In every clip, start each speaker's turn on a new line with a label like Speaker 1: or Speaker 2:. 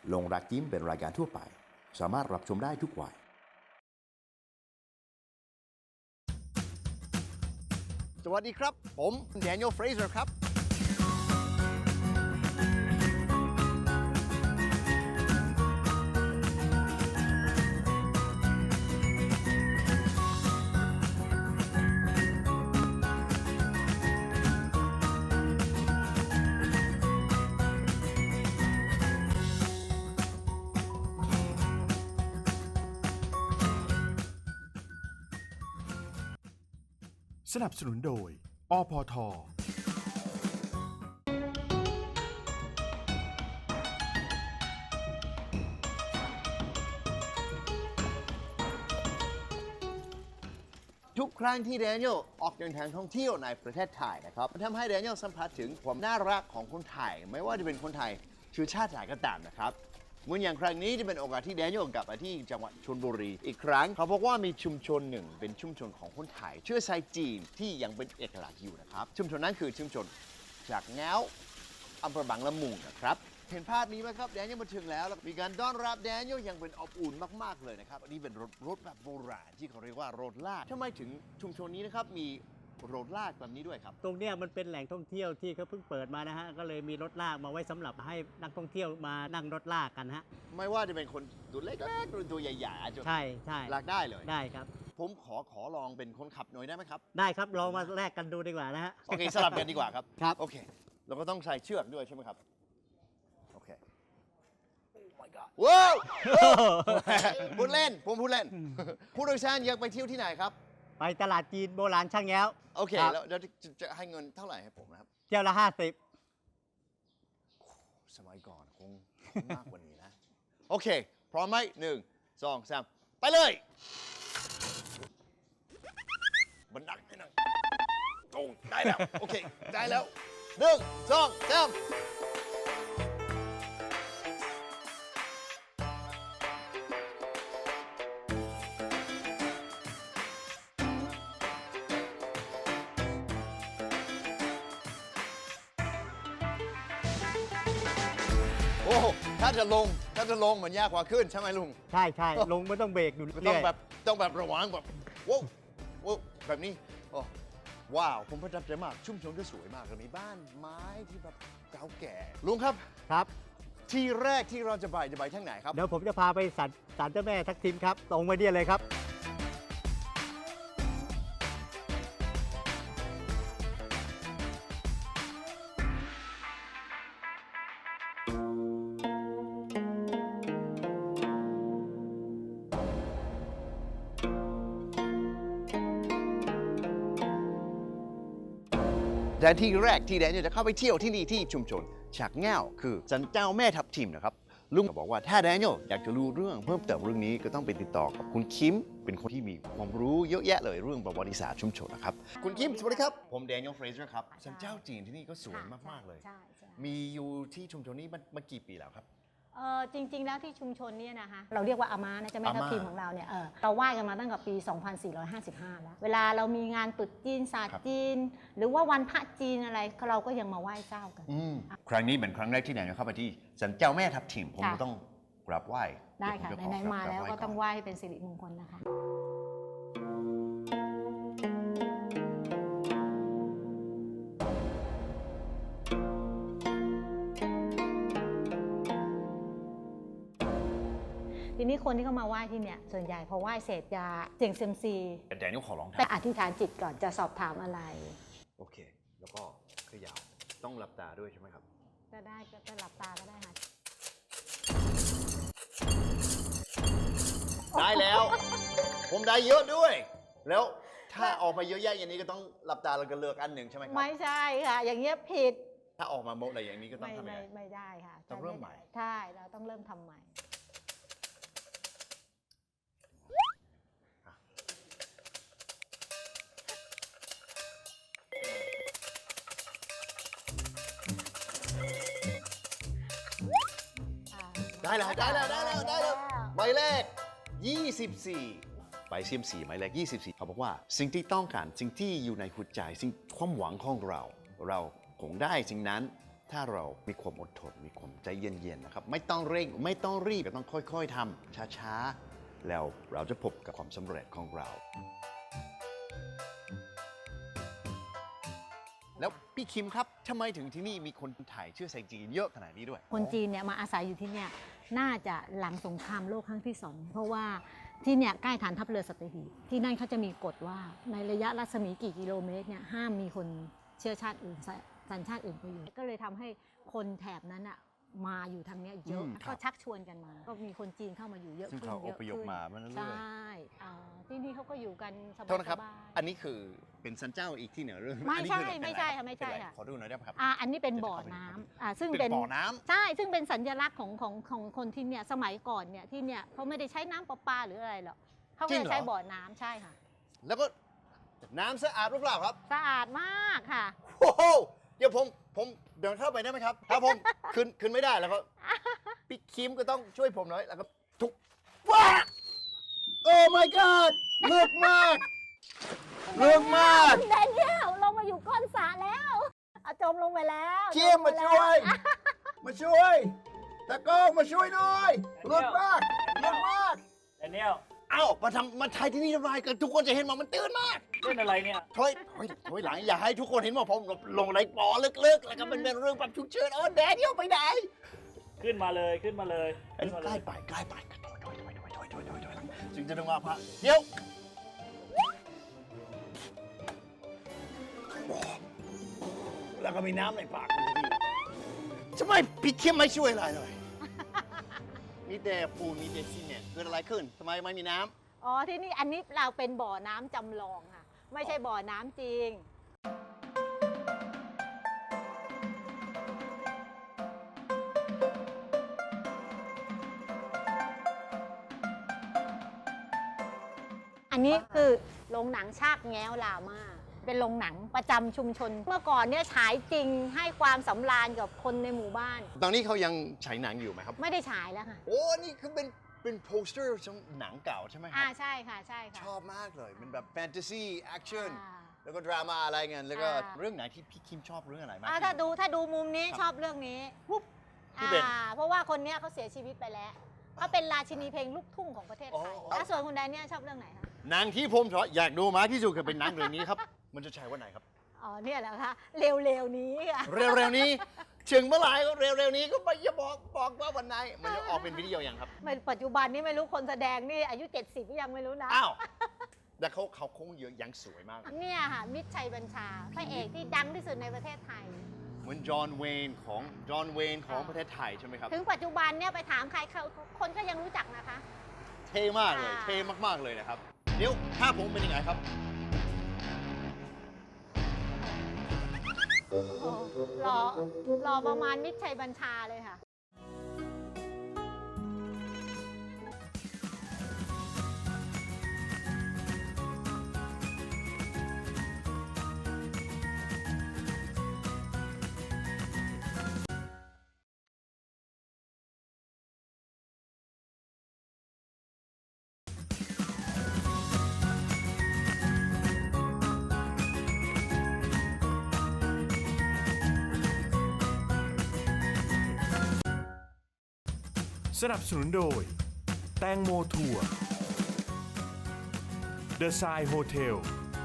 Speaker 1: ลงรักยิ้มเป็นรายการทั่วไปสามารถรับชมได้ทุกวัยสวัสดีครับผมแดเนียล เฟรเซอร์ครับ
Speaker 2: สนับสนุนโดย อพท.
Speaker 1: ทุกครั้งที่แดเนียลออกเดินทางท่องเที่ยวในประเทศไทยนะครับมันทำให้แดเนียลสัมผัสถึงความน่ารักของคนไทยไม่ว่าจะเป็นคนไทยเชื้อชาติไหนก็ตามนะครับเหมือนอย่างครั้งนี้จะเป็นโอกาสที่แดเนียลกลับมาที่จังหวัดชลบุรีอีกครั้งเขาบอกว่ามีชุมชนหนึ่งเป็นชุมชนของคนไทยเชื้อสายจีนที่ยังเป็นเอกลักษณ์อยู่นะครับชุมชนนั้นคือชุมชนจากแง้วอำเภอบางละมุงนะครับเห็นภาพนี้ไหมครับแดเนียลมาถึงแล้วมีการต้อนรับแดเนียลอย่างเป็นอบอุ่นมากๆเลยนะครับอันนี้เป็นรถแบบโบราณที่เขาเรียกว่ารถลากทำไมถึงชุมชนนี้นะครับมีรถลากแบบนี้ด้วยครับ
Speaker 3: ตรงเนี้ยมันเป็นแหล่งท่องเที่ยวที่เขาเพิ่งเปิดมานะฮะก็เลยมีรถลากมาไว้สำหรับให้นักท่องเที่ยวมานั่งรถลากกันฮะ
Speaker 1: ไม่ว่าจะเป็นคนตัวเล็กๆหรือตัวใหญ่ๆอาจจะ
Speaker 3: ใช่ใช่
Speaker 1: ลากได้เลย
Speaker 3: ได้ครับ
Speaker 1: ผมขอลองเป็นคนขับหน่อยได้ไหมครับ
Speaker 3: ได้ครับลองมาแลกกันดูดีกว่านะฮะ
Speaker 1: โอเคสลับกันดีกว่าครับ
Speaker 3: ครับ
Speaker 1: โอเคเราก็ต้องใส่เชือกด้วยใช่ไหมครับโอเค ว้าว พูดเล่นผมพูดเล่นผู้โดยสารอยากไปเที่ยวที่ไหนครับ
Speaker 3: ไปตลาดจีนโบราณช่างแง้ว
Speaker 1: โอเค
Speaker 3: ครับ
Speaker 1: แล้วจะให้เงินเท่าไหร่ให้ผมนะครับ
Speaker 3: เที่ยวละ50
Speaker 1: สมัยก่อนคงมากกว่านี้นะ โอเค พร้อมไหม1 2 3 ไปเลยบันดักให้หน่อยตรงได้แล้ว โอเค ได้แล้ว1 2 3โอ้ถ้าจะลงเหมือนยากกว่าขึ้นใช่ไหมลุง
Speaker 3: ใช่ใช่ลงไม่ต้องเบรกอยู่
Speaker 1: ต้
Speaker 3: เรื่
Speaker 1: อง
Speaker 3: อย
Speaker 1: แบบระวังแบบว้าวแบบนี้โอ้ว้าวผมประทับใจมากชุ่มชนก็สวยมากเลยมีบ้านไม้ที่แบบเก่าแก่ลุงครับ
Speaker 3: ครับ
Speaker 1: ที่แรกที่เราจะไปทางไหนครับ
Speaker 3: เดี๋ยวผมจะพาไปศาลเจ้าแม่ทักทิมครับตรงไปเนี่ยเลยครับ
Speaker 1: แต่ที่แรกที่แดนจะเข้าไปเที่ยวที่นี่ที่ชุมชนฉากแง่วคือสันเจ้าแม่ทับทิมนะครับลุงบอกว่าถ้าแดเนียลอยากจะรู้เรื่องเพิ่มเติมเรื่องนี้ก็ต้องไปติดต่อกับคุณคิมเป็นคนที่มีความรู้เยอะแยะเลยเรื่องประวัติศาสตร์ชุมชนนะครับคุณคิมสวัสดีครับผมแดเนียล เฟรเซอร์ครับสันเจ้าจีนที่นี่ก็สวยมากๆเลย
Speaker 4: ใช่ใช่
Speaker 1: มีอยู่ที่ชุมชนนี้มากี่ปีแล้วครับ
Speaker 4: จริงๆ แล้วที่ชุมชนเนี่ยนะคะเราเรียกว่าอาม่านะเจ้าแม่ทับทิม
Speaker 1: อาม่า
Speaker 4: ของเราเนี่ยเราไหว้กันมาตั้งแต่ปี 2455 แล้ว เวลาเรามีงานตรุษจีนศาสต
Speaker 1: ครับ
Speaker 4: ร์จีน หรือว่าวันพระจีนอะไรเราก็ยังมาไหว้เจ้ากัน
Speaker 1: ครั้งนี้เป็นครั้งแรกที่แดเนียลเข้าไปที่สันเจ้าแม่ทับทิมผม
Speaker 4: ค่ะ
Speaker 1: ก็ต้องกราบไหว้
Speaker 4: ได้ค่ะ
Speaker 1: เยวผจขอ
Speaker 4: ไหนๆมาแล้วก็ต้อง
Speaker 1: ราบ
Speaker 4: ไหว้ให้เป็นสิริมงคลนะคะ ทีนี้คนที่เขามาไหว้ที่เนี่ยส่วนใหญ่พอไหว้เสร็จจะเสี่ยงเซียมซี
Speaker 1: แดเนียลขอร้อง
Speaker 4: แต่
Speaker 1: ทำ
Speaker 4: อธิษฐานจิตก่อนจะสอบถามอะไร
Speaker 1: โอเค แล้วก็เขย่าต้องหลับตาด้วยใช่ไหมครับ
Speaker 4: ก็ได้ก็จะหลับตาก็ได้ค่ะ
Speaker 1: ได้แล้ว ผมได้เยอะด้วย แล้วถ้าออกมาเยอะแยะอย่างนี้ก็ต้องหลับตาแล้วก็เลือกอันหนึ่งใช่ไหมครับ
Speaker 4: ไม่ใช่ค่ะ อย่างเงี้ยผิด
Speaker 1: ถ้าออกมาโมอะไรอย่างนี้ก็ต้องทำยังไง
Speaker 4: ไม่ได้ค่ะ
Speaker 1: ต้องเริ่มใหม่
Speaker 4: ใช่เราต้องเริ่มทำใหม่
Speaker 1: ได้แล้วหมายเลข24 ไปเซียมสีหมายเลข24เขาบอกว่าสิ่งที่ต้องการสิ่งที่อยู่ในหัวใจสิ่งความหวังของเราคงได้สิ่งนั้นถ้าเรามีความอดทนมีความใจเย็นๆนะครับไม่ต้องเร่งไม่ต้องรีบต้องค่อยๆทำช้าๆแล้วเราจะพบกับความสำเร็จของเรา แล้วพี่คิมครับทำไมถึงที่นี่มีคนไทยเชื้อสายจีนเยอะขนาดนี้ด้วย
Speaker 4: คนจีนเนี่ยมาอาศัยอยู่ที่เนี่ยน่าจะหลังสงครามโลกครั้งที่ 2 เพราะว่าที่เนี่ยใกล้ฐานทัพเรือสัตหีบที่นั่นเขาจะมีกฎว่าในระยะรัศมีกี่กิโลเมตรเนี่ยห้ามมีคนเชื้อชาติอื่นสัญชาติอื่นไปอยู่ก็เลยทำให้คนแถบนั้นอะมาอยู่ทางเนี้ยเยอะ
Speaker 1: ครับ
Speaker 4: ก็ชักชวนกันมา ก็มีคนจีนเข้ามาอยู่เยอะ
Speaker 1: ซึ่ง
Speaker 4: ขึ้น
Speaker 1: เขา
Speaker 4: เย
Speaker 1: อ
Speaker 4: อะ
Speaker 1: พยพ
Speaker 4: ขึ้น
Speaker 1: มาเรื่อย
Speaker 4: ใช่ที่นี่เขาก็อยู่กันสบาย
Speaker 1: โทษนะครับ
Speaker 4: ๆ
Speaker 1: อันนี้คือเป็นสันเจ้าอีกที่หนึ่งหรือ
Speaker 4: ไม่
Speaker 1: อันนี้
Speaker 4: ใช่
Speaker 1: คืออะร
Speaker 4: ไม่ใช่
Speaker 1: เป็นอ
Speaker 4: ค่ะไม่ใช่
Speaker 1: เป็นร
Speaker 4: ค่ะ
Speaker 1: ขอดูหน่อยได้ไหมครับ
Speaker 4: อันนี้เป็นบ่อน้ำซึ่ง
Speaker 1: เป็นบ่อน้ำ
Speaker 4: ใช่ซึ่งเป็นสัญลักษณ์ของคนที่เนี่ยสมัยก่อนเนี่ยที่เนี่ยเขาไม่ได้ใช้น้ำประปาหรืออะไรหรอกเขาก็จะใช้บ่อน้ำใช่ค่ะ
Speaker 1: แล้วก็น้ำสะอาดหรือเปล่าครับ
Speaker 4: สะอาดมากค่ะ
Speaker 1: โอ้โหเดี๋ยวผมเดินเข้าไปได้ไหมครับถ้าผมขึ้นไม่ได้แล้วก็พี่คิมก็ต้องช่วยผมหน่อยแล้วก็ทุกว้าโอ้ my god ลึกมากลึกมาก
Speaker 4: แดเนียลลงมาอยู่ก้นสระแล้วจมลงไปแล้ว
Speaker 1: คิมมาช่วย มาช่วยตะโก้มาช่วยหน่อยลึกมากลึกมาก
Speaker 5: แดเนียล
Speaker 1: เอ้ามาถ่ายที่นี่ทำไมกันทุกคนจะเห็นมันตื้นมาก
Speaker 5: เล่นอะไรเนี่ย
Speaker 1: ถอยหลังอย่าให้ทุกคนเห็นว่าผมลงในบ่อลึกๆแล้วก็เป็นเรื่องแบบฉุกเฉินโอ้แดเนียลไปไหน
Speaker 5: ขึ้นมาเลยขึ้นมาเลย
Speaker 1: อัน
Speaker 5: ขึ้
Speaker 1: นี้
Speaker 5: นมา
Speaker 1: ใก
Speaker 5: เล
Speaker 1: ล้
Speaker 5: ย
Speaker 1: ไปถอยจึงจะต้องว่าพระเดี๋ยวแล้วก็มีน้ำในปากทำไมพี่เข้มไม่ช่วยอะไรเลยมีแต่ปูนมีแต่ซีเมนต์เกิดอะไรขึ้นทำไมไม่มีน้ำ
Speaker 4: อ๋อที่นี่อันนี้เราเป็นบ่อน้ำจำลองค่ะ ไม่ใช่บ่อน้ำจริง อันนี้คือโรงหนังชากแง้วลามาเป็นโรงหนังประจำชุมชน เมื่อก่อนเนี่ยฉายจริงให้ความสำราญกับคนในหมู่บ้าน
Speaker 1: ตอนนี้เขายังฉายหนังอยู่ไหมครับ
Speaker 4: ไม่ได้ฉายแล้วค่ะ
Speaker 1: โอ้นี่คือเป็นโปสเตอร์ของหนังเก่าใช่ไหมครั
Speaker 4: ใช่ค่ะใช่ค่ะ
Speaker 1: ชอบมากเลยมันแบบแฟนตาซีแอคชั่น
Speaker 4: อ่า
Speaker 1: แล้วก็ดราม่าอะไรเงี้ยแล้วก็
Speaker 4: อ่า
Speaker 1: เรื่องไหนที่พี่คิมชอบเรื่องอะไรมาก
Speaker 4: ถ้าดูมุมนี้ชอบเรื่องนี้
Speaker 1: ที่เป็น
Speaker 4: เพราะว่าคนเนี้ยเขาเสียชีวิตไปแล้วเขาเป็นราชินีเพลงลูกทุ่งของประเทศไทย
Speaker 1: อ๋อ
Speaker 4: แล้วส่วนคุณแดเนียลชอบเรื่องไหนคะ
Speaker 1: หนังที่ผมชอบอยากดูมากที่สุดคือเป็นหนังเรื่องนี้ครับ มันจะใช้วันไหนครับ
Speaker 4: อ๋อเนี่ยแหละคะเร็วๆนี้ค่ะ
Speaker 1: เร็วๆนี้ถึงเมื่อไหร่ก็เร็วๆนี้ก็ไม่อย่าบอกว่าวันไหนมันจะออกเป็นวิดีโอยังครับ
Speaker 4: ปัจจุบันนี้ไม่รู้คนแสดงนี่อายุ 70ก็ยังไม่รู้นะ
Speaker 1: อ้าวแต่เขาคงเยอะยังสวยมาก
Speaker 4: เนี่ยค่ะมิตรชัยบัญชาพระเอกที่ดังที่สุดในประเทศไทย
Speaker 1: เหมือนจอห์นเวนของประเทศไทยใช่ไหมครับ
Speaker 4: ถึงปัจจุบันเนี่ยไปถามใครคนก็ยังรู้จักนะคะ
Speaker 1: เท่มากเลย
Speaker 4: อ่า
Speaker 1: เท่มากๆเลยนะครับเดี๋ยวถ้าผมเป็นยังไงครับ
Speaker 4: โอ้รอประมาณมิตรชัยบัญชาเลยค่ะ
Speaker 2: สนับสนุนโดย แตงโมทัวร์ The Sai Hotel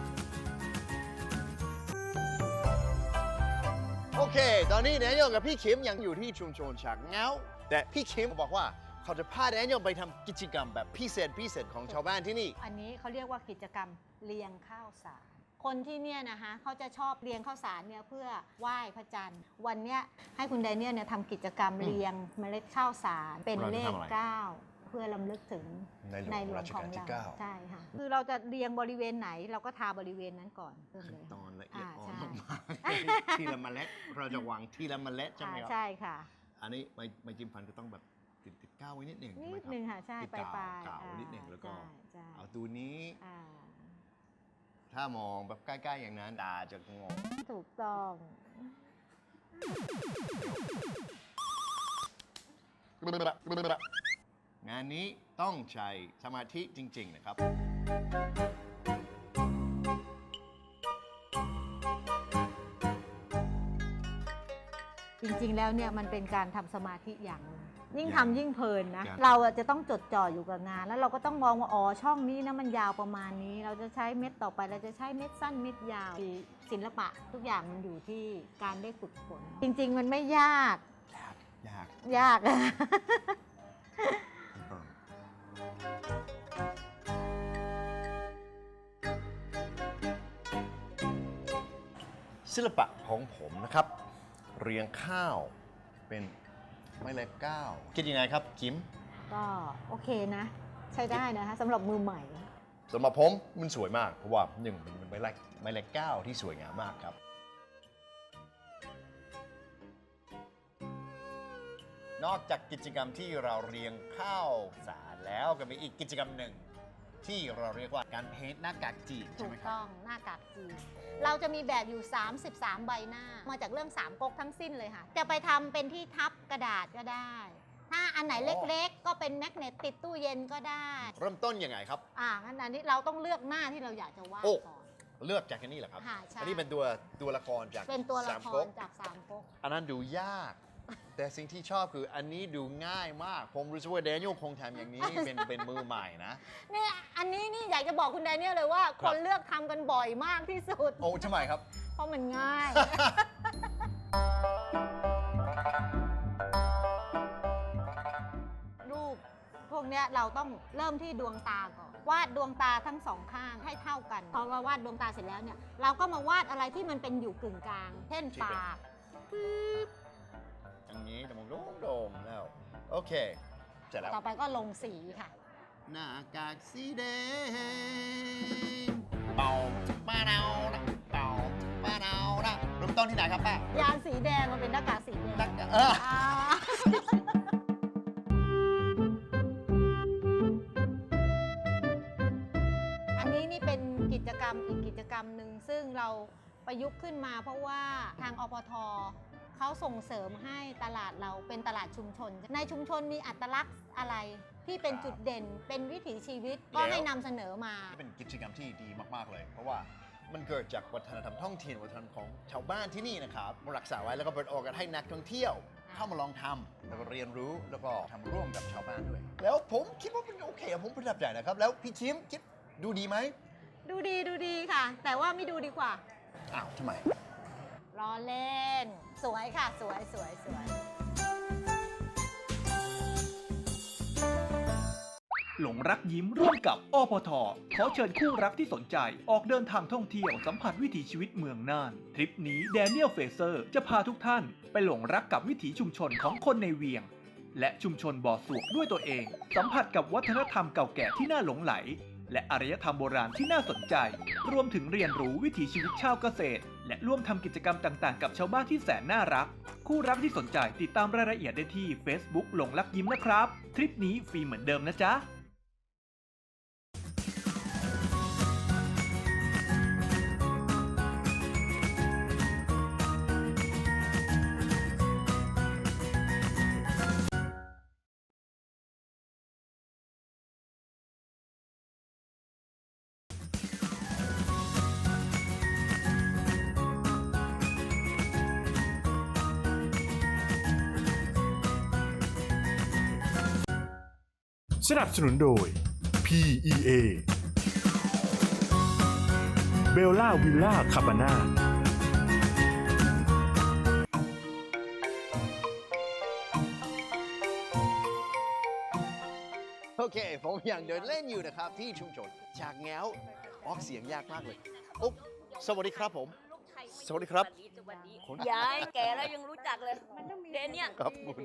Speaker 1: โอเค ตอนนี้แดเนียลกับพี่คิมยังอยู่ที่ชุมชนฉากเงาแต่พี่คิมบอกว่าเขาจะพาแดเนียลไปทำกิจกรรมแบบพิเศษของชาวบ้านที่นี่
Speaker 4: อันนี้เขาเรียกว่ากิจกรรมเลียงข้าวสาร คนที่เนี่ยนะคะเขาจะชอบเลียงข้าวสารเนี่ยเพื่อไหว้พระจันทร์ วันเนี้ยให้คุณไดเนียลเนี่ยทำกิจกรรมเลียงเมล็ดข้าวสารเป็นเลข 9 เพื่อลำลึกถึง
Speaker 1: ในหลวง
Speaker 4: ในหลว
Speaker 1: รั
Speaker 4: ง
Speaker 1: ช
Speaker 4: ของ
Speaker 1: กาลที่
Speaker 4: เรา
Speaker 1: 9
Speaker 4: ใช่ค่ะคือเราจะเรียงบริเวณไหนเราก็ทาบริเวณนั้นก่อนเริ่ม
Speaker 1: ขั้
Speaker 4: เล
Speaker 1: น
Speaker 4: ย
Speaker 1: ตอนละเอียดอ่อน
Speaker 4: ใช่
Speaker 1: มากๆทีละเมล็ดเราจะวางทีละเมล็ดใช่ไหมครับ
Speaker 4: ใช่ค่ะ
Speaker 1: อันนี้ไม่จิ้มฟันก็ต้องแบบติดก้าวไว้นิดหนึ่ง
Speaker 4: นิ
Speaker 1: ใช่ไหม
Speaker 4: ด
Speaker 1: ครับ
Speaker 4: นึงค่ะใช่
Speaker 1: ติด
Speaker 4: ปลายปลาย
Speaker 1: กาวนิดหนึ่งแล้วก็
Speaker 4: ใช่
Speaker 1: เอาตัวนี้
Speaker 4: อ่า
Speaker 1: ถ้ามองแบบใกล้ๆอย่างนั้นตาจะงง
Speaker 4: ถูกต้อง
Speaker 1: งานนี้ต้องใช้สมาธิจริง ๆ นะครับ
Speaker 4: จริงแล้วเนี่ยมันเป็นการทำสมาธิอย่างหนึ่งยิ่ง
Speaker 1: อย่าง
Speaker 4: ทำยิ่งเพลินนะ
Speaker 1: ครับ
Speaker 4: เราอะจะต้องจดจ่ออยู่กับงาน แล้วเราก็ต้องมองว่าอ๋อช่องนี้นะมันยาวประมาณนี้ เราจะใช้เม็ดต่อไปเราจะใช้เม็ดสั้นเม็ดยาวศิลปะทุกอย่างมันอยู่ที่การได้ฝึกฝนจริง ๆ มันไม่ยาก
Speaker 1: ยาก
Speaker 4: ยาก
Speaker 1: ศิลปะของผมนะครับ เรียงข้าวเป็นไม้เล็กก้าวคิดยังไงครับกิม
Speaker 4: ก็โอเคนะ ใช้ได้นะคะสำหรับมือใหม่
Speaker 1: สำหรับผมมันสวยมาก เพราะว่าหนึ่งมันเป็นไม้เล็กก้าวที่สวยงามมากครับ นอกจากกิจกรรมที่เราเรียงข้าวสารแล้วก็มีอีกกิจกรรมหนึ่ง ที่เราเรียกว่าการเพ้นท์หน้ากากจีน
Speaker 4: ถู
Speaker 1: ใช่ไหม
Speaker 4: ก
Speaker 1: ครับ
Speaker 4: ต้องหน้ากากจีนเราจะมีแบบอยู่ 33 ใบหน้า มาจากเรื่องสามก๊กทั้งสิ้นเลยค่ะ จะไปทำเป็นที่ทับกระดาษก็ได้ ถ้าอันไหนเล็กๆ ก็เป็นแมกเนตติดตู้เย็นก็ได้
Speaker 1: เริ่มต้นยังไงครับ
Speaker 4: งั้นอันนี้เราต้องเลือกหน้าที่เราอยากจะวาด
Speaker 1: โอ้
Speaker 4: ก่อน
Speaker 1: เลือกจากอันนี้เหรอครับ
Speaker 4: ค่ะใช่
Speaker 1: อันนี้เป็นตัวละครจาก
Speaker 4: เป็นตัวละ
Speaker 1: สาม
Speaker 4: ค
Speaker 1: ก๊
Speaker 4: ร
Speaker 1: ก
Speaker 4: จากสามก๊ก
Speaker 1: อันนั้นดูยาก แต่สิ่งที่ชอบคืออันนี้ดูง่ายมาก ผมรู้สึกว่าแดเนียลคงทำอย่างนี้ เป็นมือใหม่นะ
Speaker 4: นี่อันนี้นี่อยากจะบอกคุณแดเนียลเลยว่า
Speaker 1: ค
Speaker 4: ครับ นเลือกทำกันบ่อยมากที่สุด
Speaker 1: โอ้ทำไมครับ
Speaker 4: เพราะมันง่าย รูปพวกเนี้ยเราต้องเริ่มที่ดวงตาก่อนวาดดวงตาทั้งสองข้างให้เท่ากันพอเราวาดดวงตาเสร็จแล้วเนี่ยเราก็มาวาดอะไรที่มันเป็นอยู่กึ่งกลาง เช่น
Speaker 1: ที่เป็น
Speaker 4: ปาก
Speaker 1: อย่างนี้แต่ผมโด่งๆแล้ว โอเค เสร็จแล้ว
Speaker 4: ต่อไปก็ลงสีค่ะ
Speaker 1: หน้ากากสีแดงเป่าป้าเนานะเป่าป้าเนานะเริ่มต้นที่ไหนครับป้าย
Speaker 4: านสีแดงมันเป็นหน้ากากสีแดง
Speaker 1: เออ
Speaker 4: อ่า อันนี้นี่เป็นกิจกรรมอีกกิจกรรมหนึ่งซึ่งเราประยุกต์ขึ้นมาเพราะว่าทางอปทเขาส่งเสริมให้ตลาดเราเป็นตลาดชุมชน ในชุมชนมีอัตลักษณ์อะไรที่เป็นจุดเด่น เป็นวิถีชีวิตก็ให้นำเสนอมา
Speaker 1: เป็นกิจกรรมที่ดีมากๆเลย เพราะว่ามันเกิดจากวัฒนธรรมท้องถิ่นวัฒนธรรมของชาวบ้านที่นี่นะครับมารักษาไว้แล้วก็เปิดโอกาสให้นักท่องเที่ยว เข้ามาลองทำแล้วก็เรียนรู้แล้วก็ทำร่วมกับชาวบ้านด้วย แล้วผมคิดว่ามันโอเคผมประทับใจนะครับ แล้วพี่ชิมคิดดูดีไหม
Speaker 4: ดูดีค่ะ แต่ว่าไม่ดูดีกว่า
Speaker 1: อ้าวทำไม
Speaker 4: ล้อเล่น สวยค่ะ สวย
Speaker 6: หลงรักยิ้มร่วมกับอปทขอเชิญคู่รักที่สนใจออกเดินทางท่องเที่ยวสัมผัสวิถีชีวิตเมืองน่าน ทริปนี้แดเนียลเฟเซอร์จะพาทุกท่านไปหลงรักกับวิถีชุมชนของคนในเวียง และชุมชนบ่อสวกด้วยตัวเอง สัมผัสกับวัฒนธรรมเก่าแก่ที่น่าหลงไหล และอารยธรรมโบราณที่น่าสนใจ รวมถึงเรียนรู้วิถีชีวิตชาวเกษตร และร่วมทำกิจกรรมต่างๆ กับชาวบ้านที่แสนน่ารัก คู่รักที่สนใจติดตามรายละเอียดได้ที่ Facebook หลงรักยิ้มนะครับ ทริปนี้ฟรีเหมือนเดิมนะจ๊ะ
Speaker 2: สนับสนุนโดย PEA เบลล่าวิลล่าคาบาน่า
Speaker 1: โอเค ผมยังเดินเล่นอยู่นะครับที่ชุมชนจากแง้วออกเสียงยากมากเลยโอ้สวัสดีครับผม สวัสดีครับ คุณ
Speaker 7: ยายแกแล้วยังรู้จักเลยเดนเนี่ย
Speaker 1: ครับคุณ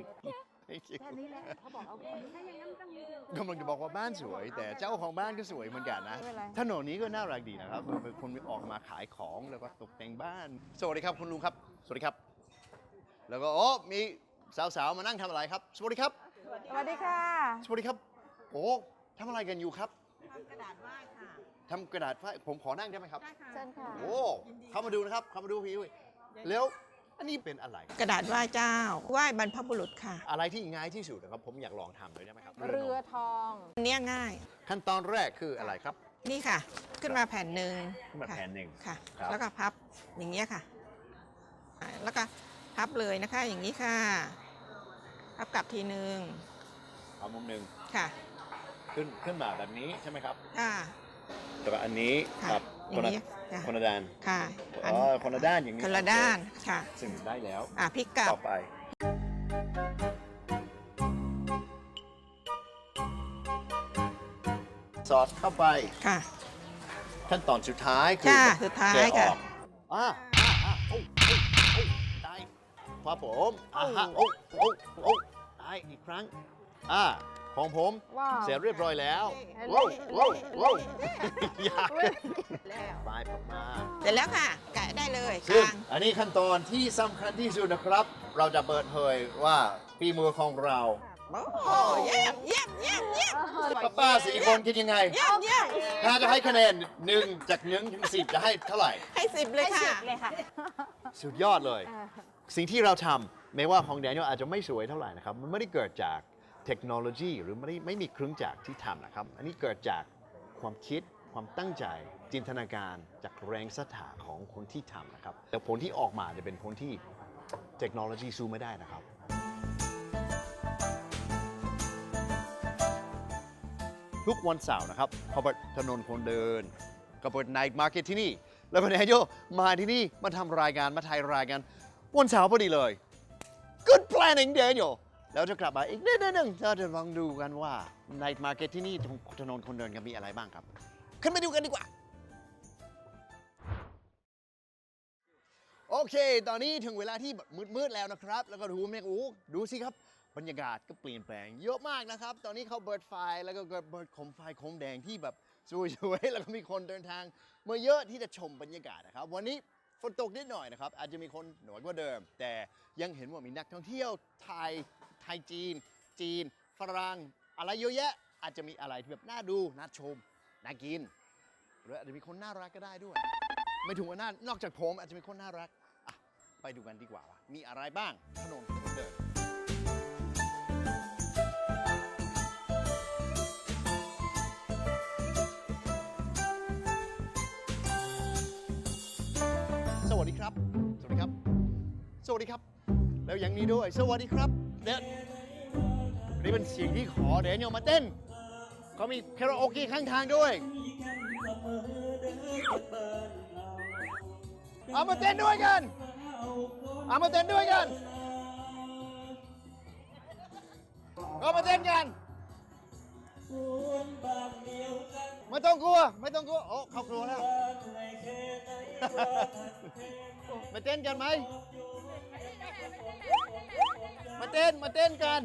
Speaker 1: กำลังจะบอกว่าบ้านสวย แต่เจ้าของบ้านก็สวยเหมือนกันนะ ถนนนี้ก็น่ารักดีนะครับเป็นคนออกมาขายของแล้วก็ตกแต่งบ้าน สวัสดีครับคุณลุงครับ สวัสดีครับ แล้วก็โอ้มีสาวๆมานั่งทำอะไรครับ สวัสดีครับ
Speaker 8: สวัสดีค่ะ
Speaker 1: สวัสดีครับ โอ้ทำอะไรกันอยู่ครับ
Speaker 8: ทำกระดาษไหว้ค่ะ
Speaker 1: ทำกระดาษฝ้ายผมขอนั่งได้ไหมครับ
Speaker 8: ได้ค่ะ
Speaker 4: เชิญค่ะ
Speaker 1: โอ้เข้ามาดูนะครับเข้ามาดูพี่ด้วยแล้วอันนี้เป็นอะไร
Speaker 8: กระดาษไหว้เจ้า ไหว้บรรพบุรุษค่ะ
Speaker 1: อะไรที่ง่ายที่สุดนะครับ ผมอยากลองทำเลยได้ไหมครับ
Speaker 4: เรือทอง
Speaker 8: อันเนี้ยง่าย
Speaker 1: ขั้นตอนแรกคืออะไรครับ
Speaker 8: นี่ค่ะ ขึ้นมาแผ่นหนึ่ง
Speaker 1: ขึ้นมา
Speaker 8: ค่ะ
Speaker 1: แผ่นหนึ่ง
Speaker 8: ค่ะ
Speaker 1: ครับ
Speaker 8: แล้วก็พับอย่างเงี้ยค่ะแล้วก็พับเลยนะคะ อย่างนี้ค่ะ พับกลับทีนึง
Speaker 1: เอามุมหนึ่ง
Speaker 8: ค่ะ
Speaker 1: ขึ้นมาแบบนี้ใช่ไหมครับ
Speaker 8: ค่ะ
Speaker 1: แล้วก็อันนี้
Speaker 8: ค่ะ
Speaker 1: กับ
Speaker 8: อ
Speaker 1: ค
Speaker 8: ย่าน ง
Speaker 1: ละ
Speaker 8: นี้ค่ะ
Speaker 1: คนละด้าน
Speaker 8: ค่ะ
Speaker 1: อ๋อคนละด้านอย่างนี้
Speaker 8: คนละด้านค่ะ
Speaker 1: ซึ่งได้แล้ว
Speaker 8: พลิกกลับ
Speaker 1: ต่อไป ซอสเข้าไป
Speaker 8: ค่ะ
Speaker 1: ขั้นตอนสุดท้ายคือ
Speaker 8: ค่ะสุดท้าย
Speaker 1: แกะอ
Speaker 8: ค่ะ
Speaker 1: อกโอ้ได้ครับผมฮะโอ้ได้อีกครั้งของผม
Speaker 4: ว้าว
Speaker 1: เสร็จเรียบร้อยแล้ว
Speaker 4: เฮ้
Speaker 1: ว้าวย ว้าวว้าว อยาก
Speaker 8: แล้ว
Speaker 1: ปลายผมมา
Speaker 8: เสร็จแล้วค่ะ แกะได้เลย
Speaker 1: ซึ่ง
Speaker 8: กลาง
Speaker 1: อันนี้ขั้นตอนที่สำคัญที่สุดนะครับ เราจะเปิดเผยว่าฝีมือของเรา
Speaker 8: โอ้โหเยี่ยมเยี่ยมเยี่ยมเยี่ยม
Speaker 1: ป้าๆสี่คนคิดยังไง
Speaker 8: เยี่ยมเยี่ยม
Speaker 1: ถ้าจะให้คะแนน1จาก1ถึง10จะให้เท่าไหร่
Speaker 8: ให้10เลยค่ะ
Speaker 4: เลยค่ะ
Speaker 1: สุดยอดเลย สิ่งที่เราทำแม้ว่าของแดเนียลอาจจะไม่สวยเท่าไหร่นะครับ มันไม่ได้เกิดจากเทคโนโลยีหรือไม่มีเครื่องจักรที่ทำนะครับ อันนี้เกิดจากความคิดความตั้งใจจินตนาการจากแรงศรัทธาของคนที่ทำนะครับ แต่ผลที่ออกมาจะเป็นผลที่เทคโนโลยีสู้ไม่ได้นะครับ ทุกวันเสาร์นะครับเขาเปิดถนนคนเดินก็เปิดไนท์มาร์เก็ตที่นี่ แล้วก็แดเนียลมาที่นี่มาทำรายการมาถ่ายรายการวันเสาร์พอดีเลย Good planning Daniel แล้วจะกลับมาอีกนิดนึงเราจะลองดูกันว่า Night Market ที่นี่ตรงถนนคนเดินกันมีอะไรบ้างครับ ขึ้นไปดูกันดีกว่า โอเค ตอนนี้ถึงเวลาที่แบบมืดๆแล้วนะครับ แล้วก็ดูสิครับ บรรยากาศก็เปลี่ยนแปลงเยอะมากนะครับ ตอนนี้เขาเบิดไฟแล้วก็เบิดโคมไฟโคมแดงที่แบบสวยๆ แล้วก็มีคนเดินทางมาเยอะที่จะชมบรรยากาศนะครับ วันนี้ฝนตกนิดหน่อยนะครับ อาจจะมีคนน้อยกว่าเดิม แต่ยังเห็นว่ามีนักท่องเที่ยวไทยจีนฝรั่งอะไรเยอะแยะ อาจจะมีอะไรที่แบบน่าดูน่าชมน่ากินหรืออาจจะมีคนน่ารักก็ได้ด้วย ไม่ถึงว่านอกจากผมอาจจะมีคนน่ารักไปดูกันดีกว่าว่ามีอะไรบ้างถนนคนเดินสวัสดีครับ สวัสดีครับ สวัสดีครับ แล้วอย่างนี้ด้วย สวัสดีครับเนี่ยนี่เป็นเสียงที่ขอแดเนียลมาเต้นเขามีคาราโอเกะข้างทางด้วยเอามาเต้นด้วยกันเอามาเต้นด้วยกันเอามาเต้นกันไม่ต้องกลัวโอ้เขากลัวแล้ว มาเต้นกันไหมมาเต้นกัน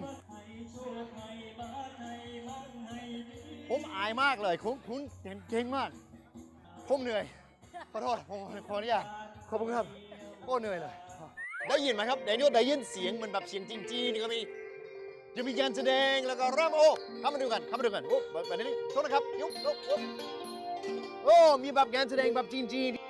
Speaker 1: ผมอายมากเลยคุณเก่งมากผมเหนื่อยขอโทษผมขออนุญาตขอบคุณครับโอ้เหนื่อยเลยได้ยินไหมครับแดเนียลได้ยินเสียงมันแบบเสียงจีนๆก็มีจะมีการแสดงแล้วก็รำเข้ามาดูกันโอ้แบบนี้โทษนะครับยุบโอ้มีแบบการแสดงแบบจีน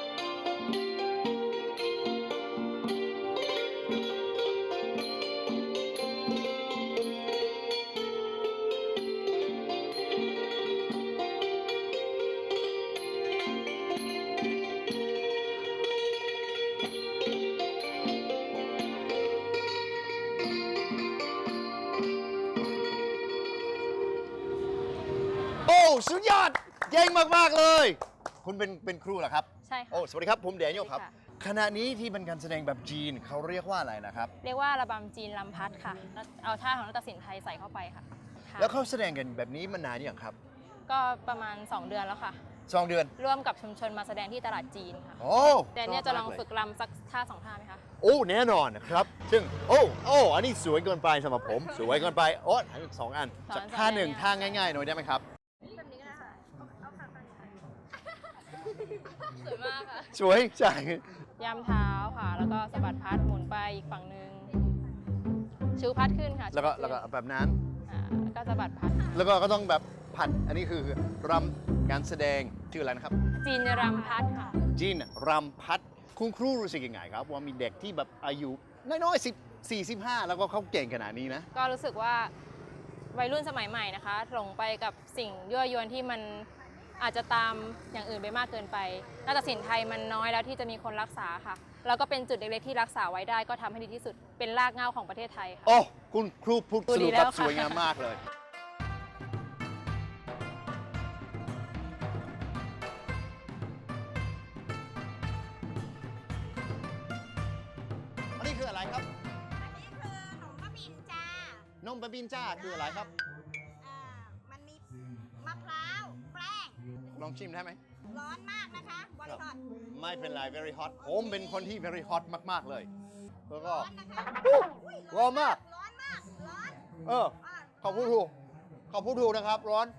Speaker 1: โอ้สุดยอดเก่งมากๆเลย คุณเป็นครูเหรอครับ
Speaker 9: ใช่ค่ะ
Speaker 1: โอ้สวัสดีครับผมแดเนียลครับ
Speaker 9: สวัสดีค่ะ
Speaker 1: ขณะนี้ที่เป็นการแสดงแบบจีนเขาเรียกว่าอะไรนะครับ
Speaker 9: เรียกว่าระบำจีนลำพัดค่ะแล้วเอาท่าของนัตศิลป์ไทยใส่เข้าไปค่ะค่ะ
Speaker 1: แล้วเขาแสดงกันแบบนี้มานานยังครับ
Speaker 9: ก็ประมาณ 2 เดือนแล้วค่ะ
Speaker 1: 2 เดือน
Speaker 9: ร่วมกับชุมชนมาแสดงที่ตลาดจีนค่ะ
Speaker 1: โอ้
Speaker 9: แต่เนี่ยจะลองฝึกลำสักท่า2 ท่าไหมคะ
Speaker 1: โอ้แน่นอนนะครับ ซึ่งโอ้อันนี้สวยเกินไปสำหรับผม สวยเกินไปโอ้ทั้งสองอัน
Speaker 9: สอน
Speaker 1: สักท่าหนึ่ง
Speaker 9: สอน
Speaker 1: ท่าง่ายๆหน่อยได้ไหมครับ
Speaker 9: แบบนี้ก็ได้ค่ะเอาขาตั้งสวยมากค่ะ
Speaker 1: สวยใช่
Speaker 9: ย้ำเท้าค่ะ แล้วก็สะบัดพัดหมุนไปอีกฝั่งหนึ่งชูพัดขึ้นค่ะ
Speaker 1: แล้วก็
Speaker 9: ชูพัดขึ้น
Speaker 1: แบบนั้น
Speaker 9: แล้วก็สะบัดพัด
Speaker 1: แล้วก็ต้องแบบผัดอันนี้คือรำการแสดงชื่ออะไรนะครับ
Speaker 9: จีนรำพัดค่ะ
Speaker 1: จีนรำพัดคุณครูรู้สึกยังไงครับ ว่ามีเด็กที่แบบอายุน้อยๆ14-15 แล้วก็เขาเก่งขนาดนี้นะ
Speaker 9: ก็รู้สึกว่าวัยรุ่นสมัยใหม่นะคะหลงไปกับสิ่งยั่วยวนที่มันอาจจะตามอย่างอื่นไปมากเกินไปนาฏศิลป์ไทยมันน้อยแล้วที่จะมีคนรักษาค่ะแล้วก็เป็นจุดเล็กๆที่รักษาไว้ได้ก็ทำให้ดีที่สุดเป็นรากเหง้าของประเทศไทยค่ะ
Speaker 1: โอ้คุณครูพูด
Speaker 9: พูด
Speaker 1: ส
Speaker 9: ดี
Speaker 1: รุป
Speaker 9: แล้
Speaker 1: แบบ
Speaker 9: วค่ะ
Speaker 1: สวยงามมากเลย อันนี้คืออะไรครับ
Speaker 8: อันนี้คือขนมบ้าบินจ้าน
Speaker 1: มบะบินจ้าคืออะไรครับ
Speaker 8: มันมีมะพร้าวแป้ง
Speaker 1: ลองชิมได้ไหม
Speaker 8: ร้อนมากนะคะบริษัท
Speaker 1: ไม่เป็นไร very hot ผมเป็นคนที่ very hot มาก ๆ เลย แล้วก็
Speaker 8: ร้อนนะคะ
Speaker 1: ร้อนมาก
Speaker 8: ร้อนมาก ร้อน
Speaker 1: เออ ขอบพูดถูกขอบพูดถูกนะครับ ร้อน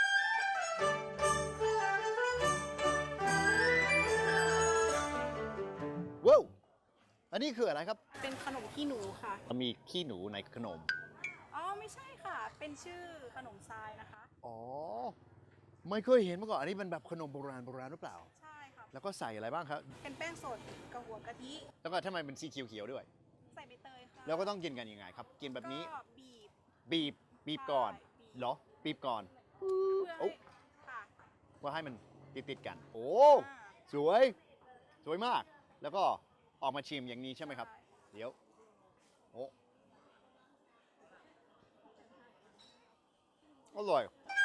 Speaker 1: ว้าว อันนี้คืออะไรครับ
Speaker 10: เป็นขนมขี้หนูค่ะ
Speaker 1: มีขี้หนูในขนม
Speaker 10: อ๋อ ไม่ใช่ค่ะ เป็นชื่อขนมทรายนะคะ
Speaker 1: อ๋อ ไม่เคยเห็นมาก่อน อันนี้เป็นแบบขนมโบราณหรือเปล่า
Speaker 10: ใช่ค่ะ
Speaker 1: แล้วก็ใส่อะไรบ้างครับ
Speaker 10: เป็นแป้งสดกับหัวกะทิ
Speaker 1: แล้วก็ทำไมเป็นสีเขียวๆด้วย
Speaker 10: ใส่ใบเตยค่ะ
Speaker 1: แล้วก็ต้องกินกันยังไงครับ กินแบบนี้
Speaker 10: ก็บีบ
Speaker 1: บีบก่อน
Speaker 10: ใช่บีบ
Speaker 1: เหรอ บีบก่อน
Speaker 10: เพื่อ
Speaker 1: โอ้
Speaker 10: ให้ค่ะ
Speaker 1: ว่าให้มันติดๆกัน โอ้
Speaker 10: อ่า
Speaker 1: สวย สวยมาก แล้วก็ออกมาชิมอย่างนี้ใช่ไหมครับ
Speaker 10: ใช่
Speaker 1: เดี๋ยว โอ้อร่อย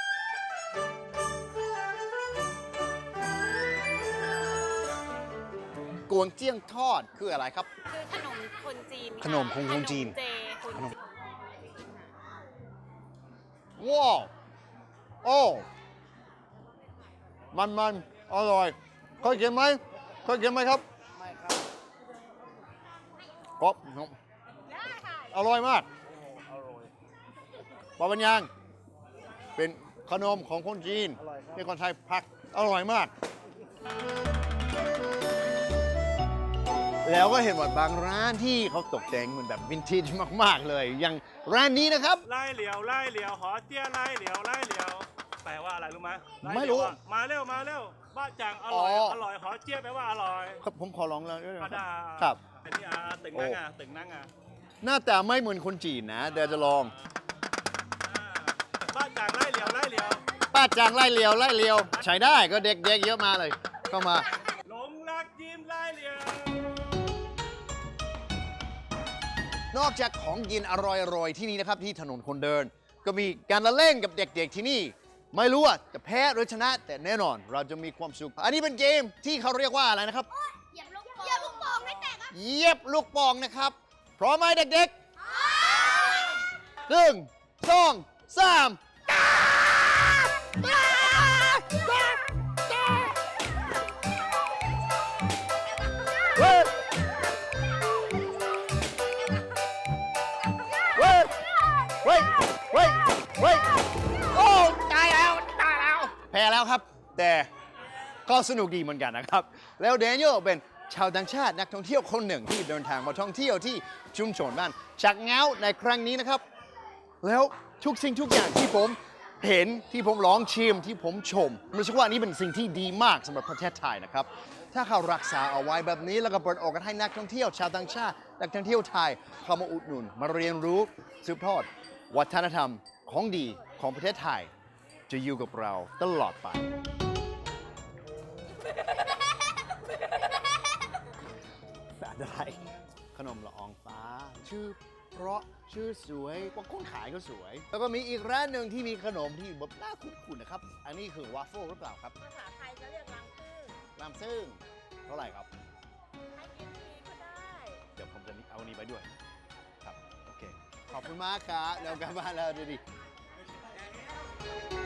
Speaker 1: กวงเจี้ยงทอดคืออะไรครับ
Speaker 10: คือขนมคนจีน
Speaker 1: ขนมคนจีน
Speaker 10: ขมเจคนจีน
Speaker 1: ว้าว โอ้ มันอร่อยเคยกินไหมเคยกินไหมครับ ไม่ครับกรอบอร่อยมากปาปัญญางเป็นขนมของคนจีนที่คนไทยพักอร่อยมาก แล้วก็เห็นว่าบางร้านที่เขาตกแต่งเหมือนแบบวินเทจมากๆเลย อย่างร้านนี้นะครับ
Speaker 5: ไล่เหลียวไล่เหลียวหอเตี้ยไล่เหลียวไล่เหลียวแปลว่าอะไรรู้ไหมล่
Speaker 1: ไม่รู้
Speaker 5: เหลียวอะมาเร็วมาเร็วบ้าจังอร่อย
Speaker 1: อ๋อ
Speaker 5: อร่อยหอเตี้ยแปลว่าอร่อย
Speaker 1: ครับผมขอลองแล้วด้วยนะ
Speaker 5: กระดา
Speaker 1: ครับ
Speaker 5: อันนี้ตึงนั่งตึงนั่ง
Speaker 1: หน้าตาไม่เหมือนคนจีนนะเดี๋ยวจะลอง
Speaker 5: บ้าจังไล่เหลียวไล่เหลียว
Speaker 1: ป้าจางไล่เลียวใช้ได้ก็เด็กๆเยอะมาเลยเข้ามา
Speaker 5: หลงรักยิ้มไล่เหลียว
Speaker 1: นอกจากของกินอร่อยๆที่นี่นะครับที่ถนนคนเดิน ก็มีการละเล่นกับเด็กๆที่นี่ ไม่รู้ว่าจะแพ้หรือชนะ แต่แน่นอนเราจะมีความสุข อันนี้เป็นเกมที่เขาเรียกว่าอะไรนะครับ
Speaker 8: เหยียบลูกโป่งให้แตกครับ
Speaker 1: เหยียบลูกโป่งนะครับ พร้อมไหมเด็กๆ1 2 3เฮ้ยเฮ้ยเฮ้ยเฮ้ยเฮ้ยโอ้ตายแล้วแพ้แล้วครับ แต่ก็สนุกดีเหมือนกันนะครับ แล้วแดเนียลเป็นชาวต่างชาตินักท่องเที่ยวคนหนึ่งที่เดินทางมาท่องเที่ยวที่ชุมชนบ้านชักเง้าในครั้งนี้นะครับ แล้วทุกสิ่งทุกอย่างที่ผมเห็นที่ผมลองชิมที่ผมชมรู้สึกว่านี่เป็นสิ่งที่ดีมากสำหรับประเทศไทยนะครับ ถ้าเขารักษาเอาไว้แบบนี้แล้วก็เปิดโอกาสให้นักท่องเที่ยวชาวต่างชาตินักท่องเที่ยวไทยเข้ามาอุดหนุนมาเรียนรู้สืบทอดวัฒนธรรมของดีของประเทศไทย จะอยู่กับเราตลอดไปอะไรขนมละอองฟ้า ชื่อเพราะชื่อสวยว่าคนขายก็สวย แล้วก็มีอีกร้านหนึ่งที่มีขนมที่แบบน่าคุ้นๆนะครับ อันนี้คือวาฟเฟิลหรือเปล่าครับ
Speaker 7: ภาษาไทยจะเรียกรังผึ้ง
Speaker 1: ลำซึ่งเท่าไหร่ครับ
Speaker 7: ให้กินฟรีก็ได้
Speaker 1: เดี๋ยวผมจะเอาอันนี้ไปด้วย ครับ โอเค ขอบคุณมากครับเดี๋ยวกลับบ้านแล้วดูดิ